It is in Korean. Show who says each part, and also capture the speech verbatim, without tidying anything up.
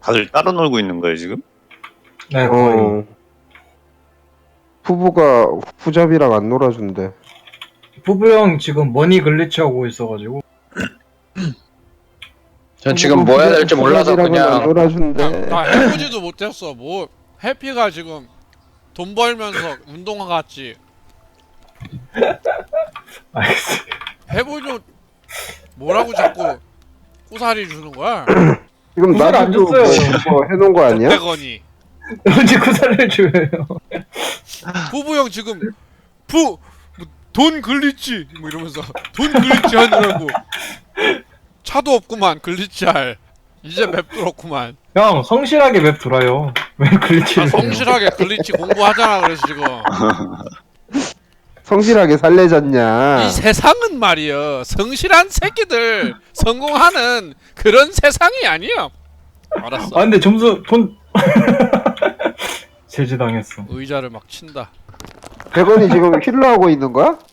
Speaker 1: 다들 따로 놀고 있는 거예요 지금?
Speaker 2: 네, 거의.
Speaker 3: 어. 후보가 후잡이랑 안 놀아준대.
Speaker 2: 부부 형 지금 머니 글리치 하고 있어가지고.
Speaker 4: 전 지금 뭐 해야 될지 몰라서
Speaker 3: 후잡이랑은 안
Speaker 4: 그냥
Speaker 3: 놀아준대.
Speaker 5: 그냥 나 해보지도 못했어. 뭐 해피가 지금 돈 벌면서 운동화 같지.
Speaker 2: 알겠어요.
Speaker 5: 해보죠. 뭐라고 자꾸 꼬사리 주는 거야?
Speaker 3: 지금
Speaker 2: 구슬 안
Speaker 3: 나도 뭐,
Speaker 2: 줬어요.
Speaker 3: 뭐 해놓은 거 아니야?
Speaker 5: 백 원이.
Speaker 2: 언제 구살을 줘요?
Speaker 5: 부부 형 지금 부 돈 글리치 뭐 이러면서 돈 글리치 하느라고 차도 없구만 글리치 할. 이제 맵 뚫었구만.
Speaker 2: 형, 성실하게 맵 돌아요. 왜 글리치를
Speaker 5: 아,
Speaker 2: 해요?
Speaker 5: 성실하게 글리치 공부하잖아. 그래서 지금
Speaker 3: 성실하게 살래졌냐?
Speaker 5: 이 세상은 말이여 성실한 새끼들 성공하는 그런 세상이 아니야. 알았어.
Speaker 2: 아, 근데 점수, 돈. 제지당했어.
Speaker 5: 의자를 막 친다.
Speaker 3: 백원이 지금 힐러 하고 있는 거야?